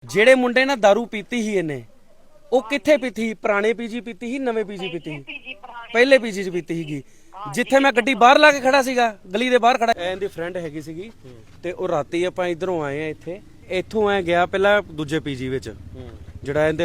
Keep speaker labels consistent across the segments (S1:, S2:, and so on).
S1: ਜਿਹੜੇ ਮੁੰਡੇ ਨੇ दारू ਪੀਤੀ ਸੀ ਇਹਨੇ ਉਹ ਕਿੱਥੇ ਪੀਤੀ? ਪੁਰਾਣੇ ਪੀਜੀ ਪੀਤੀ ਸੀ, ਨਵੇਂ ਪੀਜੀ ਪੀਤੀ ਸੀ? ਪਹਿਲੇ ਪੀਜੀ 'ਚ ਪੀਤੀ ਸੀਗੀ, ਜਿੱਥੇ ਮੈਂ ਗੱਡੀ ਬਾਹਰ ਲਾ ਕੇ ਖੜਾ ਸੀਗਾ, ਗਲੀ ਦੇ ਬਾਹਰ ਖੜਾ। ਇਹਦੀ ਫਰੈਂਡ ਹੈਗੀ ਸੀਗੀ ਤੇ ਉਹ ਰਾਤੀ ਆਪਾਂ ਇਧਰੋਂ ਆਏ ਆ, ਇੱਥੋਂ ਐ ਗਿਆ ਪਹਿਲਾਂ ਦੂਜੇ ਪੀਜੀ ਵਿੱਚ, ਜਿਹੜਾ ਇਹਦੇ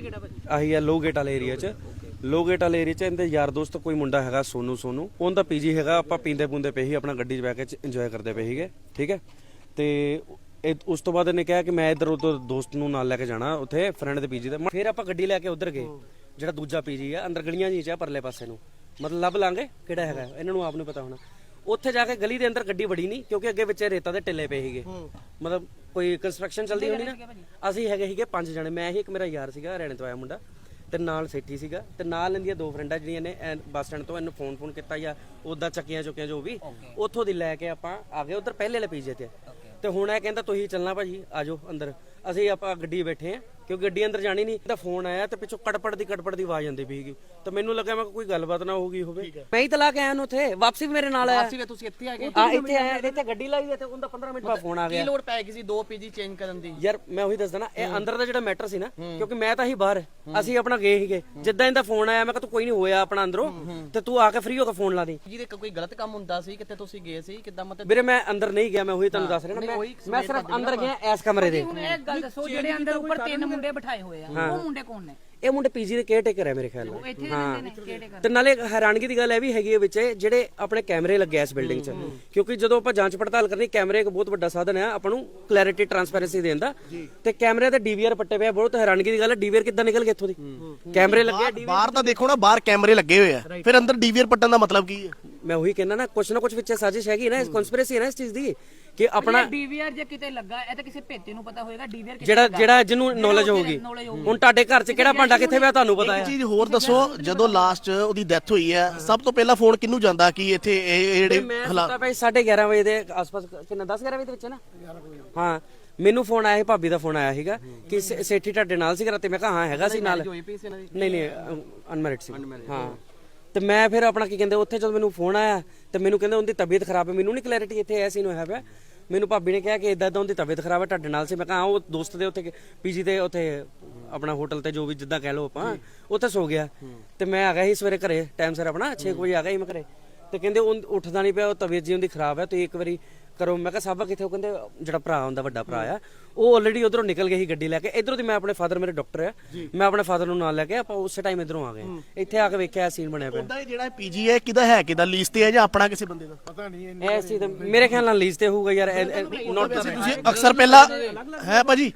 S1: ਆਹੀ ਆ ਲੋਗੇਟ ਵਾਲੇ ਏਰੀਆ 'ਚ। ਲੋਗੇਟ ਵਾਲੇ ਏਰੀਆ 'ਚ ਇਹਦੇ ਯਾਰ ਦੋਸਤ ਕੋਈ ਮੁੰਡਾ ਹੈਗਾ ਸੋਨੂ, ਉਹਦਾ ਪੀਜੀ ਹੈਗਾ। ਆਪਾਂ ਪੀਂਦੇ ਪੁੰਦੇ ਪਏ ਸੀ, ਆਪਣਾ ਗੱਡੀ 'ਚ ਬਹਿ ਕੇ ਇੰਜੋਏ ਕਰਦੇ ਪਏ ਸੀਗੇ, ਠੀਕ ਹੈ। ਤੇ ਉਸ ਤੋਂ ਬਾਅਦ ਇਹਨੇ ਕਿਹਾ ਕਿ ਮੈਂ ਇੱਧਰ ਉਧਰ ਦੋਸਤ ਨੂੰ ਨਾਲ ਲੈ ਕੇ ਜਾਣਾ ਉੱਥੇ ਫਰੈਂਡ ਦੇ ਪੀਜੀ ਤੇ। ਫਿਰ ਆਪਾਂ ਗੱਡੀ ਲੈ ਕੇ ਉਧਰ ਗਏ, ਜਿਹੜਾ ਦੂਜਾ ਪੀਜੀ ਆ ਅੰਦਰ ਗਲੀਆਂ ਜੀ 'ਚ ਆ ਪਰਲੇ ਪਾਸੇ ਨੂੰ, ਮਤਲਬ ਲੱਭ ਲਾਂਗੇ ਕਿਹੜਾ ਹੈਗਾ, ਇਹਨਾਂ ਨੂੰ ਆਪ ਨੂੰ ਪਤਾ ਹੋਣਾ। ਉੱਥੇ ਜਾ ਕੇ ਗਲੀ ਦੇ ਅੰਦਰ ਗੱਡੀ ਵੜੀ ਨਹੀਂ, ਕਿਉਂਕਿ ਅੱਗੇ ਵਿੱਚ ਰੇਤਾ ਦੇ ਟਿੱਲੇ ਪਏ ਸੀਗੇ, ਮਤਲਬ ਕੋਈ ਕੰਸਟਰਕਸ਼ਨ ਚੱਲਦੀ ਹੋਣੀ ਨਾ। ਅਸੀਂ ਹੈਗੇ ਸੀਗੇ 5 ਜਣੇ, ਮੈਂ ਹੀ ਇੱਕ ਮੇਰਾ ਯਾਰ ਸੀਗਾ ਹਰਿਆਣੇ ਤੋਂ ਆਇਆ ਮੁੰਡਾ, ਤੇ ਨਾਲ ਸੇਠੀ ਸੀਗਾ, ਤੇ ਨਾਲ ਇਹਦੀਆਂ 2 ਫਰੈਂਡਾਂ ਜਿਹੜੀਆਂ ਨੇ ਬੱਸ ਸਟੈਂਡ ਤੋਂ ਇਹਨੂੰ ਫੋਨ ਕੀਤਾ ਜਾਂ ਉਦਾਂ ਚੱਕੀਆਂ ਚੁੱਕੀਆਂ ਜੋ ਵੀ, ਉੱਥੋਂ ਦੀ ਲੈ ਕੇ ਆਪਾਂ ਆ ਗਏ ਉਧਰ ਪਹਿਲੇ ਵਾਲੇ ਪੀਜੇ ਤੇ। ਤੇ ਹੁਣ ਇਹ ਕਹਿੰਦਾ ਤੁਸੀਂ ਚੱਲਣਾ ਭਾਜੀ ਆਜੋ ਅੰਦਰ। ਅਸੀਂ ਆਪਾਂ ਗੱਡੀ ਬੈਠੇ ਆ, ਕਿਉਂਕਿ ਗੱਡੀ ਅੰਦਰ ਜਾਣੀ ਨਹੀਂ। ਇਹਦਾ ਫੋਨ ਆਇਆ ਤੇ ਪਿੱਛੋਂ ਕੜਪੜ ਦੀ ਆਵਾਜ਼ ਆਉਂਦੀ ਪਈਗੀ, ਤੇ ਮੈਨੂੰ ਲੱਗਾ ਮੈਂ ਕੋਈ ਗੱਲਬਾਤ ਨਾ ਹੋ ਗਈ ਹੋਵੇ। ਮੈਂ ਹੀ ਤਲਾ ਕੇ ਆਇਆ ਨੂੰ ਉੱਥੇ, ਵਾਪਸੀ ਵੀ ਮੇਰੇ ਨਾਲ ਆਇਆ।
S2: ਤੁਸੀਂ ਇੱਥੇ ਆ ਗਏ?
S1: ਹਾਂ ਇੱਥੇ ਆਇਆ, ਇੱਥੇ ਗੱਡੀ ਲਾਈ ਤੇ ਉਹਦਾ 15 ਮਿੰਟ ਬਾਅਦ ਫੋਨ ਆ ਗਿਆ।
S2: ਕੀ ਲੋੜ ਪੈ ਗਈ ਸੀ 2 ਪੀਜੀ ਚੇਂਜ ਕਰਨ ਦੀ?
S1: ਯਾਰ ਮੈਂ ਉਹੀ ਦੱਸਦਾ ਨਾ, ਇਹ ਅੰਦਰ ਦਾ ਜਿਹੜਾ ਮੈਟਰ ਸੀ ਨਾ, ਕਿਉਂਕਿ ਮੈਂ ਤਾਂ ਹੀ ਬਾਹਰ, ਅਸੀਂ ਆਪਣਾ ਗਏ ਸੀਗੇ। ਜਿੱਦਾਂ ਇਹਦਾ ਫੋਨ ਆਇਆ ਮੈਂ ਕਿਹਾ ਤੂੰ ਕੋਈ ਨਹੀਂ ਹੋਇਆ ਆਪਣਾ ਅੰਦਰੋਂ, ਤੇ ਤੂੰ ਆ ਕੇ ਫ੍ਰੀ ਹੋ ਕੇ ਫੋਨ ਲਾ ਦੇ।
S2: ਜਿਹਦੇ ਕੋਈ ਗਲਤ ਕੰਮ ਹੁੰਦਾ ਸੀ ਕਿਤੇ ਤੁਸੀਂ ਗਏ ਸੀ ਕਿੱਦਾਂ? ਮਤਲਬ
S1: ਵੀਰੇ ਮੈਂ ਅੰਦਰ ਨਹੀਂ ਗਿਆ, ਮੈਂ ਉਹੀ ਤੁਹਾਨੂੰ ਦੱਸ ਰਿਹਾ ਨਾ, ਮੈਂ ਸਿਰਫ ਅੰਦਰ ਗਿਆ ਇਸ ਕਮਰੇ ਦੇ।
S3: ਹੁਣ ਇਹ ਗੱਲ ਦੱਸੋ, ਜਿਹੜੇ ਅੰਦਰ ਉੱਪਰ 3 ਮੁੰਡੇ ਬਿਠਾਏ ਹੋਏ ਆ, ਉਹ ਮੁੰਡੇ ਕੌਣ ਨੇ?
S1: ਇਹ ਮੁੰਡੇ ਪੀਜੀ ਦੇ ਕੇਅਰਟੇਕਰ ਹੈ ਮੇਰੇ ਖਿਆਲ ਨਾਲ।
S3: ਇੱਥੇ ਰਹਿੰਦੇ ਨੇ ਕੇਅਰਟੇਕਰ।
S1: ਤੇ ਨਾਲੇ ਹੈਰਾਨਗੀ ਦੀ ਗੱਲ ਇਹ ਵੀ ਹੈਗੀ ਹੈ ਵਿੱਚ ਜਿਹੜੇ ਆਪਣੇ ਕੈਮਰੇ ਲੱਗੇ ਇਸ ਬਿਲਡਿੰਗ 'ਚ, ਕਿਉਂਕਿ ਜਦੋਂ ਆਪਾਂ ਜਾਂਚ ਪੜਤਾਲ ਕਰਨੀ, ਕੈਮਰੇ ਇੱਕ ਬਹੁਤ ਵੱਡਾ ਸਾਧਨ ਹੈ ਆਪਾਂ ਨੂੰ ਕਲੈਰਿਟੀ ਟਰਾਂਸਪੈਰੈਂਸੀ ਦੇਣ ਦਾ। ਤੇ ਕੈਮਰੇ ਤੇ ਡੀਵੀਆਰ ਪੱਟੇ ਪਿਆ, ਬਹੁਤ ਹੈਰਾਨਗੀ ਦੀ ਗੱਲ ਹੈ। ਡੀਵੀਆਰ ਕਿੱਦਾਂ ਨਿਕਲ ਗਏ ਇੱਥੋਂ ਦੀ? ਕੈਮਰੇ ਲੱਗੇ
S4: ਬਾਹਰ ਤਾਂ ਦੇਖੋ ਨਾ, ਬਾਹਰ ਕੈਮਰੇ ਲੱਗੇ ਹੋਏ ਆ, ਫਿਰ ਅੰਦਰ ਡੀਵੀਆਰ ਪੱਟਣ ਦਾ ਮਤਲਬ ਕੀ ਹੈ?
S1: ਮੈਂ ਉਹੀ ਕਹਿੰਦਾ ਨਾ, ਕੁਛ ਨਾ ਕੁਛ ਵਿੱਚ ਸਾਜ਼ਿਸ਼ ਹੈਗੀ ਨਾ, ਕਨਸਪੀਰੇਸੀ ਹੈ ਨਾ ਇਸ ਚੀਜ਼ ਦੀ, ਕਿ ਆਪਣਾ
S3: ਡੀਵੀਆਰ ਜੇ ਕਿਤੇ ਲੱਗਾ, ਇਹ ਤਾਂ ਕਿਸੇ ਭੇਤੇ ਨੂੰ ਪਤਾ ਹੋਏਗਾ ਡੀਵੀਆਰ
S1: ਜਿਹੜਾ ਜਿਹਨੂੰ ਨੌਲੇਜ ਹੋਊਗੀ। ਹੁਣ ਤੁਹਾਡੇ ਘਰ 'ਚ ਕਿਹੜਾ ਭਾਂਡਾ ਕਿੱਥੇ ਪਿਆ ਤੁਹਾਨੂੰ ਪਤਾ ਹੈ।
S4: ਚੀਜ਼ ਹੋਰ ਦੱਸੋ, ਜਦੋਂ ਲਾਸਟ ਉਹਦੀ ਡੈਥ ਹੋਈ ਹੈ, ਸਭ ਤੋਂ ਪਹਿਲਾਂ ਫੋਨ ਕਿਹਨੂੰ ਜਾਂਦਾ ਕਿ ਇੱਥੇ ਇਹ ਜਿਹੜੇ
S1: ਹਾਲਾਤ? 11:30 ਵਜੇ ਦੇ ਆਸ-ਪਾਸ, ਕਿੰਨਾ 10-11 ਵਜੇ ਦੇ ਵਿੱਚ ਨਾ। ਹਾਂ ਮੈਨੂੰ ਫੋਨ ਆਇਆ ਸੀ, ਭਾਬੀ ਦਾ ਫੋਨ ਆਇਆ ਸੀਗਾ ਕਿ ਸੇਠੀ ਤੁਹਾਡੇ ਨਾਲ ਸੀ ਰਾਤੀ। ਮੈਂ ਕਿਹਾ ਹਾਂ ਹੈਗਾ ਸੀ ਨਾਲ। ਨਹੀਂ ਅਨਮੈਰਿਡ ਸੀ। ਹਾਂ ਤੇ ਮੈਂ ਫਿਰ ਆਪਣਾ ਕੀ ਕਹਿੰਦੇ ਉੱਥੇ ਜਦੋਂ ਮੈਨੂੰ ਫੋਨ ਆਇਆ ਤੇ ਮੈਨੂੰ ਕਹਿੰਦੇ ਉਹਦੀ ਤਬੀਅਤ ਖਰਾਬ ਹੈ। ਮੈਨੂੰ ਨਹੀਂ ਕਲੈਰਿਟੀ ਇੱਥੇ ਐਸੀ ਨੂੰ ਹੋਇਆ ਪਿਆ। ਮੈਨੂੰ ਭਾਬੀ ਨੇ ਕਿਹਾ ਕਿ ਇਦਾਂ ਉਹਦੀ ਤਬੀਅਤ ਖਰਾਬ ਹੈ, ਤੁਹਾਡੇ ਨਾਲ ਸੀ। ਮੈਂ ਕਿਹਾ ਉਹ ਦੋਸਤ ਦੇ ਉੱਥੇ ਪੀਜੀ ਤੇ ਉੱਥੇ ਆਪਣਾ ਹੋਟਲ ਤੇ ਜੋ ਵੀ ਜਿੱਦਾਂ ਕਹਿ ਲਓ ਆਪਾਂ, ਉੱਥੇ ਸੋ ਗਿਆ। ਤੇ ਮੈਂ ਆ ਗਿਆ ਸੀ ਸਵੇਰੇ ਘਰੇ ਟਾਈਮ ਸਿਰ, ਆਪਣਾ 6 ਵਜੇ ਆ ਗਿਆ ਸੀ ਮੈਂ ਘਰੇ। ਤੇ ਕਹਿੰਦੇ ਉਹ ਉੱਠਦਾ ਨਹੀਂ ਪਿਆ, ਉਹ ਤਬੀਅਤ ਜੀ ਉਹਦੀ ਖਰਾਬ ਹੈ, ਤੁਸੀਂ ਇੱਕ ਵਾਰੀ ਕਰੋ। ਮੈਂ ਕਿਹਾ ਸਾਬਾ ਕਿੱਥੇ? ਉਹ ਕਹਿੰਦੇ ਜਿਹੜਾ ਭਰਾ ਹੁੰਦਾ, ਵੱਡਾ ਭਰਾ ਆ, ਉਹ ਆਲਰੇਡੀ ਉਧਰੋਂ ਨਿਕਲ ਗਏ ਸੀ ਗੱਡੀ ਲੈ ਕੇ। ਇਧਰੋਂ ਦੀ ਮੈਂ ਆਪਣੇ ਫਾਦਰ, ਮੇਰੇ ਡਾਕਟਰ ਆ, ਮੈਂ ਆਪਣੇ ਫਾਦਰ ਨੂੰ ਨਾਲ ਲੈ ਕੇ ਆਪਾਂ ਉਸੇ ਟਾਈਮ ਇਧਰੋਂ ਆ ਗਏ। ਇੱਥੇ ਆ ਕੇ ਵੇਖਿਆ ਸੀਨ ਬਣਿਆ ਪਿਆ।
S4: ਉਹਦਾ ਜਿਹੜਾ ਪੀਜੀ ਹੈ ਕਿਹਦਾ ਹੈ, ਕਿਹਦਾ ਲੀਜ਼ ਤੇ ਹੈ ਜਾਂ ਆਪਣਾ ਕਿਸੇ ਬੰਦੇ ਦਾ? ਪਤਾ ਨਹੀਂ
S1: ਇਹ ਸੀ ਮੇਰੇ ਖਿਆਲ ਨਾਲ ਲੀਜ਼ ਤੇ ਹੋਊਗਾ ਯਾਰ। ਨੋਟ
S4: ਤੁਸੀਂ ਅਕਸਰ ਪਹਿਲਾਂ ਹੈ ਭਾਜੀ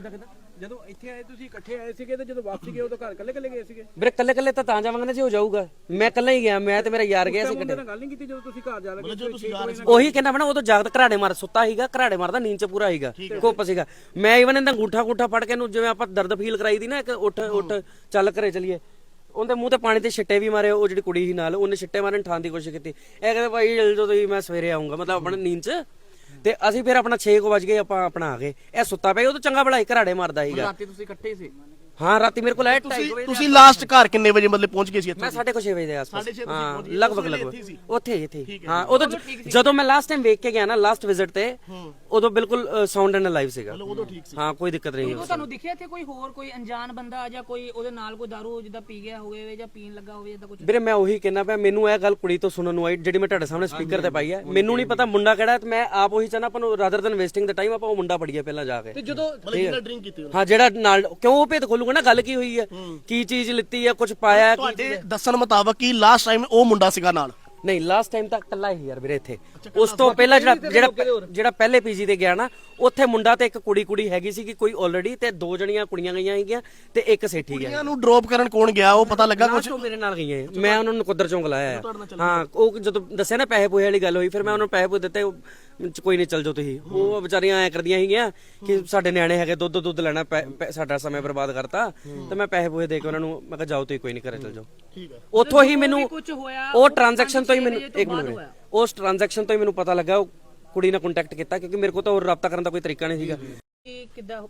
S5: ਜਦੋਂ ਇੱਥੇ ਆਏ ਤੁਸੀਂ ਇਕੱਠੇ ਆਏ ਸੀਗੇ, ਤੇ ਜਦੋਂ ਵਾਪਸ ਗਏ ਉਦੋਂ ਘਰ ਇਕੱਲੇ ਗਏ ਸੀਗੇ?
S1: ਵੀਰੇ ਕੱਲੇ ਤਾਂ ਜਾਵਾਂਗੇ ਨਾ ਜੀ, ਹੋ ਜਾਊਗਾ। ਮੈਂ ਕੱਲਾ ਹੀ ਗਿਆ, ਮੈਂ ਤੇ ਮੇਰਾ ਯਾਰ ਗਿਆ ਸੀ
S5: ਗੱਲ ਨਹੀਂ ਕੀਤੀ ਜਦੋਂ ਤੁਸੀਂ ਘਰ ਜਾ ਲੱਗੇ?
S1: ਉਹੀ ਕਹਿੰਦਾ ਮੈਂ ਨਾ, ਉਦੋਂ ਜਾਗਤ ਘਰਾੜੇ ਮਾਰ ਸੁੱਤਾ ਸੀਗਾ, ਘਰਾੜੇ ਮਾਰਦਾ ਨੀਂਦ ਚ ਪੂਰਾ ਸੀਗਾ, ਕੁੱਪ ਸੀਗਾ। ਮੈਂ ਇਵਨ ਇਹਦਾ ਅੰਗੂਠਾ ਫੜ ਕੇ ਇਹਨੂੰ, ਜਿਵੇਂ ਆਪਾਂ ਦਰਦ ਫੀਲ ਕਰਾਈ ਦੀ ਨਾ, ਇੱਕ ਉੱਠ ਚੱਲ ਘਰੇ ਚਲੀਏ, ਉਹਦੇ ਮੂੰਹ ਤੇ ਪਾਣੀ ਦੇ ਛਿੱਟੇ ਵੀ ਮਾਰੇ। ਉਹ ਜਿਹੜੀ ਕੁੜੀ ਸੀ ਨਾਲ, ਉਹਨੇ ਛਿੱਟੇ ਮਾਰਨ ਠਾਣ ਦੀ ਕੋਸ਼ਿਸ਼ ਕੀਤੀ। ਇਹ ਕਹਿੰਦਾ ਭਾਈ ਜਲਦੀ ਤੁਸੀਂ, ਮੈਂ ਸਵੇਰੇ ਆਉਂਗਾ, ਮਤਲਬ ਆਪਣਾ ਨੀਂਦ ਚ। ਤੇ ਅਸੀਂ ਫਿਰ ਆਪਣਾ 6 ਵਜ ਗਏ, ਆਪਾਂ ਆਪਣਾ ਆ ਗਏ। ਇਹ ਸੁੱਤਾ ਪਿਆ, ਉਹ ਤਾਂ ਚੰਗਾ ਭਲਾ ਘਰਾੜੇ ਮਾਰਦਾ ਸੀਗਾ।
S2: ਰਾਤੀ ਤੁਸੀਂ ਇਕੱਠੇ ਸੀ?
S1: ਹਾਂ ਰਾਤੀ ਮੇਰੇ ਕੋਲ ਆਇਆ 2:30 ਵਜੇ।
S4: ਤੁਸੀਂ ਲਾਸਟ ਘਰ ਕਿੰਨੇ ਵਜੇ ਮਤਲਬ ਪਹੁੰਚ ਗਏ ਸੀ ਇੱਥੇ?
S1: ਮੈਂ 6:30 ਵਜੇ ਦੇ ਆਸ-ਪਾਸ।
S4: 6:30
S1: ਹਾਂ ਲਗਭਗ ਉੱਥੇ ਹਾਂ। ਉਦੋਂ ਜਦੋਂ ਮੈਂ ਲਾਸਟ ਟਾਈਮ ਵੇਖ ਕੇ ਗਿਆ ਨਾ, ਲਾਸਟ ਵਿਜ਼ਿਟ ਤੇ, ਉਦੋਂ ਬਿਲਕੁਲ ਸਾਊਂਡ ਐਂਡ ਲਾਈਵ ਸੀਗਾ।
S4: ਉਦੋਂ ਠੀਕ ਸੀ।
S1: ਹਾਂ ਕੋਈ ਦਿੱਕਤ ਨਹੀਂ।
S3: ਉਦੋਂ ਤੁਹਾਨੂੰ ਦਿਖਿਆ ਇੱਥੇ ਕੋਈ ਹੋਰ ਕੋਈ ਅਣਜਾਣ ਬੰਦਾ ਜਾਂ ਕੋਈ ਉਹਦੇ ਨਾਲ ਕੋਈ ਦਾਰੂ ਜਿੱਦਾਂ ਪੀ ਗਿਆ ਹੋਵੇ ਜਾਂ ਪੀਣ ਲੱਗਾ ਹੋਵੇ ਜਾਂ ਕੁਝ?
S1: ਵੀਰੇ ਮੈਂ ਉਹੀ ਕਹਿੰਦਾ ਪਿਆ, ਮੈਨੂੰ ਇਹ ਗੱਲ ਕੁੜੀ ਤੋਂ ਸੁਣਨ ਨੂੰ ਆਈ, ਜਿਹੜੀ ਮੈਂ ਤੁਹਾਡੇ ਸਾਹਮਣੇ ਸਪੀਕਰ ਤੇ ਪਾਈ ਹੈ। ਮੈਨੂੰ ਨਹੀਂ ਪਤਾ ਮੁੰਡਾ ਕਿਹੜਾ, ਤੇ ਮੈਂ ਆਪ ਉਹੀ ਚਾਹਨਾ ਆਪਾਂ ਨੂੰ, ਰਾਦਰ ਦਨ ਵੇਸਟਿੰਗ ਦਾ ਟਾਈਮ, ਆਪਾਂ ਉਹ ਮੁੰਡਾ ਪੜੀਏ ਪਹਿਲਾਂ ਜਾ ਕੇ।
S4: ਤੇ ਜਦੋਂ ਡਰਿੰਕ ਕੀਤੀ
S1: ਹਾਂ ਜਿਹੜਾ ਨਾਲ, ਕਿਉਂ ਉਹ ਭੇਤ ਖੋਲੂਗਾ ਨਾ, ਗੱਲ ਕੀ ਹੋਈ ਹੈ, ਕੀ ਚੀਜ਼ ਲਿੱਤੀ ਹੈ, ਕੁਝ ਪਾਇਆ।
S4: ਤੁਹਾਡੇ ਦੱਸਣ ਮੁਤਾਬਕ ਕੀ ਲਾਸਟ ਟਾਈਮ ਉਹ ਮੁੰਡਾ ਸੀਗਾ ਨਾਲ?
S1: ਨਹੀਂ ਲਾਸਟ ਟਾਈਮ ਤਾਂ ਇਕੱਲਾ ਹੀ ਯਾਰ ਵੀਰੇ ਇੱਥੇ। ਉਸ ਤੋਂ ਪਹਿਲਾਂ ਜਿਹੜਾ ਪਹਿਲੇ ਪੀਜੀ ਤੇ ਗਿਆ ਨਾ, ਉੱਥੇ ਮੁੰਡਾ ਤੇ ਇੱਕ ਕੁੜੀ ਹੈਗੀ ਸੀ ਕਿ ਕੋਈ ਆਲਰੇਡੀ, ਤੇ 2 ਜਣੀਆਂ ਕੁੜੀਆਂ ਗਈਆਂ ਹੈਗੀਆਂ ਤੇ ਇੱਕ ਸੇਠੀ ਗਿਆ।
S4: ਕੁੜੀਆਂ ਨੂੰ ਡ੍ਰੌਪ ਕਰਨ ਕੌਣ ਗਿਆ, ਉਹ ਪਤਾ ਲੱਗਾ ਕੁਝ?
S1: ਉਹ ਮੇਰੇ ਨਾਲ ਗਈਆਂ, ਮੈਂ ਉਹਨਾਂ ਨੂੰ ਕੁਦਰ ਚੋਂ ਲਾਇਆ ਹਾਂ। ਉਹ ਜਦੋਂ ਦੱਸਿਆ ਨਾ ਪੈਸੇ ਪੂਹੇ ਵਾਲੀ ਗੱਲ ਹੋਈ, ਫਿਰ ਮੈਂ ਉਹਨਾਂ ਨੂੰ ਪੈਸੇ ਪੂਹੇ ਦਿੱਤੇ। ਕੋਈ ਨਹੀਂ ਚੱਲ ਜਾਓ ਤੁਸੀਂ। ਉਹ ਵਿਚਾਰੀਆਂ ਐ ਕਰਦੀਆਂ ਸੀਗੀਆਂ ਕਿ ਸਾਡੇ ਨਿਆਣੇ ਹੈਗੇ, ਦੁੱਧ ਲੈਣਾ, ਸਾਡਾ ਸਮੇਂ ਬਰਬਾਦ ਕਰਤਾ। ਤੇ ਮੈਂ ਪੈਸੇ ਪੂਹੇ ਦੇ ਕੇ ਉਹਨਾਂ ਨੂੰ ਮੈਂ ਕਿਹਾ ਜਾਓ ਤੁਸੀਂ, ਕੋਈ ਨਹੀਂ, ਘਰੇ ਚੱਲ ਜਾਓ। ਉੱਥੋਂ ਹੀ ਮੈਨੂੰ ਉਹ ਟ੍ਰਾਂਜੈਕਸ਼ਨ ਤੋਂ ਹੀ ਮੈਨੂੰ, ਇੱਕ ਮਿੰਟ, ਉਸ ਟ੍ਰਾਂਜੈਕਸ਼ਨ ਤੋਂ ਹੀ ਮੈਨੂੰ ਪਤਾ ਲੱਗਾ ਉਹ ਕੁੜੀ ਨਾਲ ਕੰਟੈਕਟ ਕੀਤਾ, ਕਿਉਂਕਿ ਮੇਰੇ ਕੋਲ ਤਾਂ ਹੋਰ ਰਾਬਤਾ ਕਰਨ ਦਾ ਕੋਈ ਤਰੀਕਾ ਨਹੀਂ ਸੀਗਾ।
S3: ਕਿੱਦਾਂ